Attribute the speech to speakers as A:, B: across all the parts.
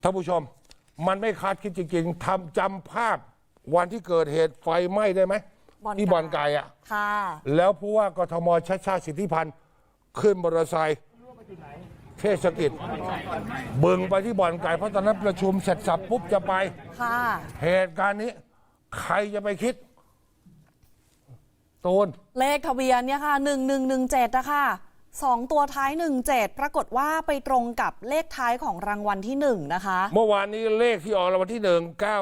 A: ท่านผู้ชมมันไม่คาดคิดจริงๆจำภาพวันที่เกิดเหตุไฟไหม้ได้ไหมที่บ่อนไก่อ่ะ
B: ค่ะ
A: แล้วผู้ว่ากทมชัชชาติสิทธิพันธ์ขึ้นมอเตอร์ไซค์เทศกิจบึงไปที่บ่อนไก่เพราะตอนนั้นประชุมเสร็จสับปุ๊บจะไป
B: ค่ะ
A: เหตุการณ์นี้ใครจะไปคิดตูน
B: เลขทะเบียนเนี่ยค่ะ1117นะคะ2ตัวท้าย17ปรากฏว่าไปตรงกับเลขท้ายของรางวัลที่1นะคะ
A: เมื่อวานนี้เลขที่ออกรางวัลที่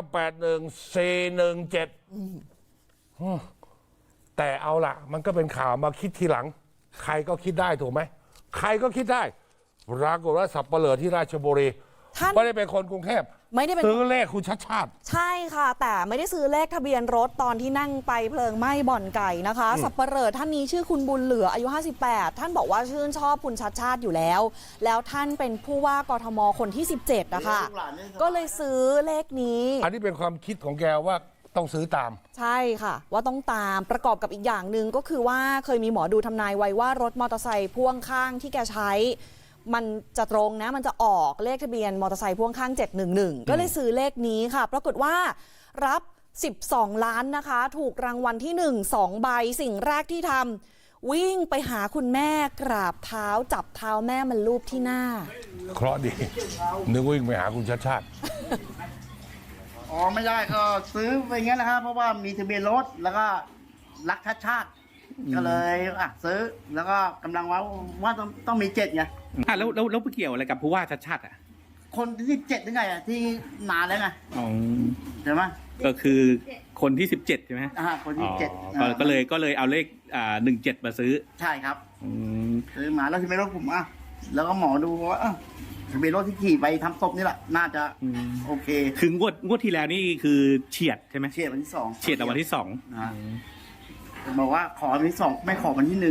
A: 1981417แต่เอาล่ะมันก็เป็นข่าวมาคิดทีหลังใครก็คิดได้ถูกไหมใครก็คิดได้ปรากฏว่าสับเปลือที่ราชบุรีไม่ได้เป็นคนกรุงเทพ
B: ไม่ได้เป็น
A: ซื้อเลขคุณชัดชาติ
B: ใช่ค่ะแต่ไม่ได้ซื้อเลขทะเบียนรถตอนที่นั่งไปเพลิงไหม้บ่อนไก่นะคะสับปะเหร่อท่านนี้ชื่อคุณบุญเหลืออายุ58ท่านบอกว่าชื่นชอบคุณชัดชาติอยู่แล้วแล้วท่านเป็นผู้ว่ากทมคนที่17นะคะก็เลยซื้อเลขนี้
A: อันนี้เป็นความคิดของแกว่าต้องซื้อตาม
B: ใช่ค่ะว่าต้องตามประกอบกับอีกอย่างหนึ่งก็คือว่าเคยมีหมอดูทำนายไว้ว่ารถมอเตอร์ไซค์พ่วงข้างที่แกใช้มันจะตรงนะมันจะออกเลขทะเบียนมอเตอร์ไซค์พ่วงข้าง711ก็เลยซื้อเลขนี้ค่ะปรากฏว่ารับ12ล้านนะคะถูกรางวัลที่1 2ใบสิ่งแรกที่ทำวิ่งไปหาคุณแม่กราบเท้าจับเท้าแม่มันลูบที่หน้า
A: เคราะห์ดีนึกวิ่งไปหาคุณชัดชาติ
C: อ๋อไม่ได้ก็ซื้อไปงั้นนะครับเพราะว่ามีทะเบียนรถแล้วก็รักชาติก็เลยซื้อแล้วก็กำลังว่าต้องมี7ไง
D: แล้วไปเกี่ยวอะไรกับผู้ว่าชัดชาติอ่ะ
C: คนที่7ยังไงอ่ะที่นานแล้วไงใช่ไหม
D: ก็คือคนที่17ใช่ไหม
C: คนที่7
D: ก็เลยเอาเลข17มาซื้อ
C: ใช่ครับซื้อมาแล้วทะเบียนรถผมแล้วก็หมอดูว่าทะเบียนรถที่ขี่ไปทำศพนี่แหละน่าจะโอเค
D: คืองวดที่แล้วนี่คือเฉียดใช่ไหม
C: เฉียดวันที่2
D: เฉียดวันที่2
C: บอกว่าขอวันที่2ไม่ขอวันที่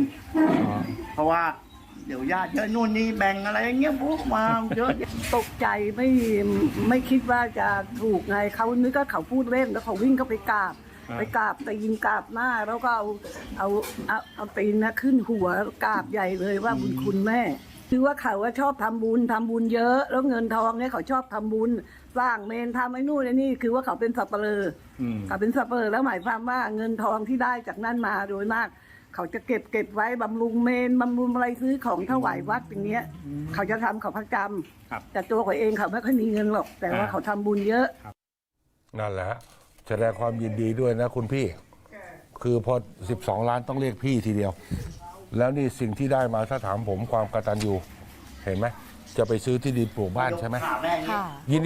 C: 1เพราะว่าเดี๋ยวญาติเยอะนู่นนี่แบ่งอะไรอย่างเงี้ยพวกมาเยอะ
E: ตกใจไม่คิดว่าจะถูกไงเขานึกว่าเขาพูดเล่นแล้วเขาวิ่งเข้าไปกราบแต่ยิงกราบหน้าแล้วก็เอาตีนนะขึ้นหัวกราบใหญ่เลยว่าบุญคุณแม่คือว่าเขาชอบทำบุญเยอะแล้วเงินทองเนี่ยเขาชอบทำบุญสร้างเมนทำไอ้นู่นไอ้นี่คือว่าเขาเป็นสับปะเลอเขาเป็นสับปะเลอแล้วหมายความว่าเงินทองที่ได้จากนั้นมาโดยมากเขาจะเก็บไว้บำรุงเมนบำรุงอะไรซื้อของถวายวัดอย่างเงี้ยเขาจะทำเขาประจำแต่ตัวเขาเองเขาไม่ค่อยมีเงินหรอกแต่ว่าเขาทำบุญเยอะ
A: นั่นแหละแสดงความยินดีด้วยนะคุณพี่คือพอ12ล้านต้องเรียกพี่ทีเดียวแล้วนี่สิ่งที่ได้มาถ้าถามผมความกตัญญูเห็นไหมจะไปซื้อที่ดินปลูกบ้านใช่ไหม